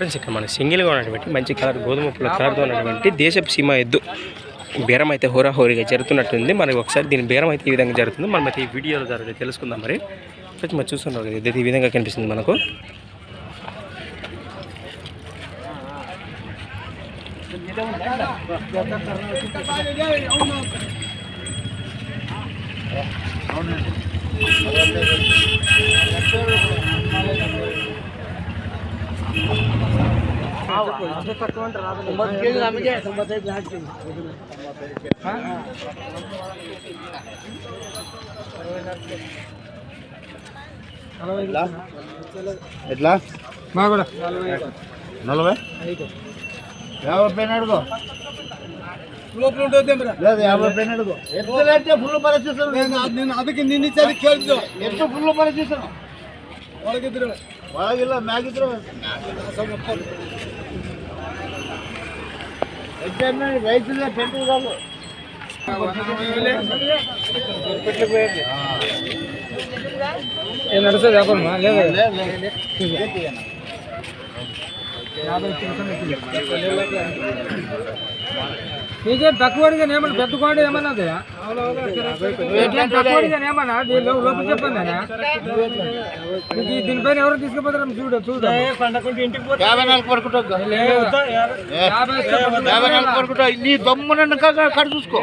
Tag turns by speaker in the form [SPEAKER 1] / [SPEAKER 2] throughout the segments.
[SPEAKER 1] Friends ఇక్కడ మన సింగిల్గా ఉన్నటువంటి మంచి కలర్ గోధుమ పూల కలర్తో ఉన్నటువంటి దేశపు సీమ ఎద్దు బేరం అయితే హోరాహోరీగా జరుగుతున్నట్టుంది. మనకి ఒకసారి దీని బేరం అయితే ఈ విధంగా జరుగుతుంది. మనం అయితే ఈ వీడియోలో ద్వారా తెలుసుకుందాం. మరి ఫ్రెండ్స్ మనం చూస్తున్నారు కదా, ఇది ఈ విధంగా కనిపిస్తుంది మనకు.
[SPEAKER 2] ఎట్లా
[SPEAKER 3] బాగా
[SPEAKER 2] 40 50 అడుగు లేదు 50 అడుగు ఎట్లా ఫుల్ పరిస్థితులు
[SPEAKER 3] నేను ಅದಕ್ಕೆ ನಿನ್ನ ಸರಿ ಕೇಳಿದ್ದು
[SPEAKER 2] ಎಷ್ಟು ಫುಲ್ ಪರಿಸ್ಥಿతులు
[SPEAKER 3] ಒಳಗಿದ್ರು
[SPEAKER 2] ಒಳಗಿಲ್ಲ ಮ್ಯಾಗಿದ್ರು ಎಕ್ಸಾಮ್ ರೈತರಿಗೆ ಟೆಂಟ್ ಇರೋದು
[SPEAKER 3] ಏನು ನಡೆಸೋದು ವ್ಯಾಪಾರ నీకేం తక్కువ అడిగాను ఏమన్నా పెద్దకోండి ఏమన్నా తక్కువ అడిగాను ఏమన్నా లోపల చెప్పండి దీనిపైన ఎవరు తీసుకుపోతారు చూడు
[SPEAKER 2] 54 కొడుకుంటా నీ దమ్మున కడ చూసుకో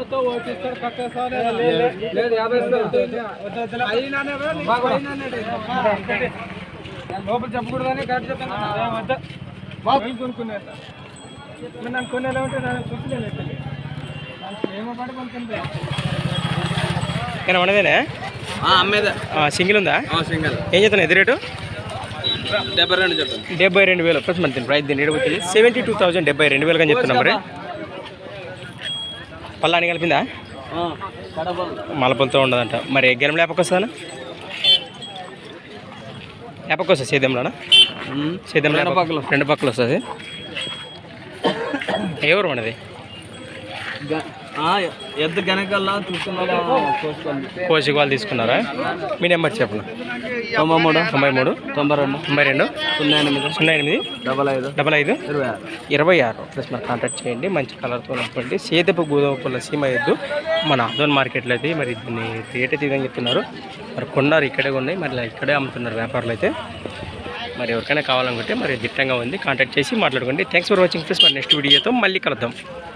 [SPEAKER 3] లోపల చెప్పకూడదని కరెక్ట్ చెప్తాను కొనుక్కునే నన్ను కొనేలా ఉంటే నేను చూసుకోలేదు ఏమో పడి కొనుక్కుంటే
[SPEAKER 1] మనదేనా
[SPEAKER 3] అమ్మేదా
[SPEAKER 1] సింగిల్ ఉందా?
[SPEAKER 3] సింగిల్.
[SPEAKER 1] ఏం చెప్తాను ఎదురు రేటు?
[SPEAKER 3] 72 చెప్పండి.
[SPEAKER 1] 72,000 ప్లస్ మన ప్రైస్ దీన్ని ఎడబోతుంది 72,000 72,000 అని చెప్తున్నాం. మరి పళ్ళని కలిపిందా? మలపలతో ఉండదంట. మరి గెలం లేపకొస్తానా? లేపకొస్తా సేద్యంలోనా? సేద్యంలో రెండు పక్కలు వస్తుంది. ఎవరు మనది?
[SPEAKER 3] ఎద్దు గనకల్లా
[SPEAKER 1] కోసి వాళ్ళు తీసుకున్నారా? మీ నెంబర్ చెప్పండి.
[SPEAKER 3] 93
[SPEAKER 1] 92
[SPEAKER 3] 08
[SPEAKER 1] 08 55 26 ప్లస్ మరి కాంటాక్ట్ చేయండి. మంచి కలర్తో ఉన్నటువంటి సేదపు గోధుమ పూల సీమ ఎద్దు మన ఆదోన్ మార్కెట్లో అయితే మరి దీన్ని రేట్ అయితే విధంగా చెప్తున్నారు. మరి కొన్నారు ఇక్కడే ఉన్నాయి, మరి ఇక్కడే అమ్ముతున్నారు వ్యాపారులు అయితే. మరి ఎవరికైనా కావాలనుకుంటే మరి దిట్టంగా ఉంది, కాంటాక్ట్ చేసి మాట్లాడుకోండి. Thanks for watching friends. మరి నెక్స్ట్ వీడియోతో మళ్ళీ కలుద్దాం.